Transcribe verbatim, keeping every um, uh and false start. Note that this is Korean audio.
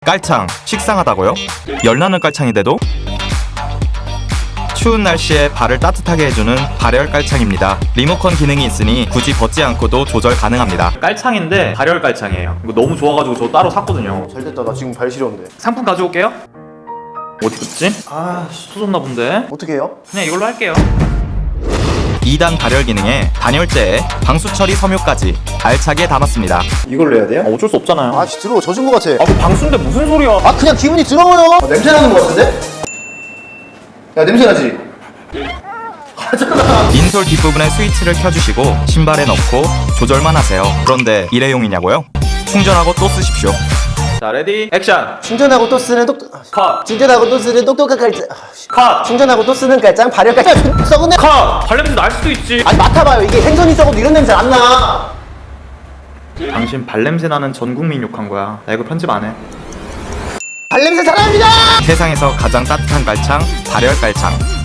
깔창 식상하다고요? 열나는 깔창인데도? 추운 날씨에 발을 따뜻하게 해주는 발열 깔창입니다. 리모컨 기능이 있으니 굳이 벗지 않고도 조절 가능합니다. 깔창인데 발열 깔창이에요. 이거 너무 좋아가지고 저 따로 샀거든요. 잘됐다. 나 지금 발 시려운데. 상품 가져올게요. 어디 갔지? 아, 터졌나 본데. 어떻게 해요? 그냥 이걸로 할게요. 이 단 발열 기능에 단열재에 방수 처리 섬유까지 알차게 담았습니다. 이걸로 해야 돼요? 아, 어쩔 수 없잖아요. 아, 씨, 들어가 젖은 거 같아. 아, 그 방수인데 무슨 소리야? 아, 그냥 기분이 들어요. 아, 냄새 나는 거 같은데? 야, 냄새 나지? 가잖아. 인솔 뒷부분에 스위치를 켜주시고 신발에 넣고 조절만 하세요. 그런데 일회용이냐고요? 충전하고 또 쓰십시오. 자, 레디, 액션! 충전하고 또 쓰는 똑 컷! 충전하고 또 쓰는 똑똑한 깔짱. 아, 씨. 컷! 충전하고 또 쓰는 깔짱 발열 깔짱. 썩은 냄새. 컷! 발냄새 날 수도 있지. 아니, 맡아봐요. 이게 생선이 썩어도 이런 냄새 안 나. 당신 발냄새 나는 전 국민 욕한 거야. 나 이거 편집 안 해. 발냄새 사랑합니다. 세상에서 가장 따뜻한 깔창, 발열 깔창.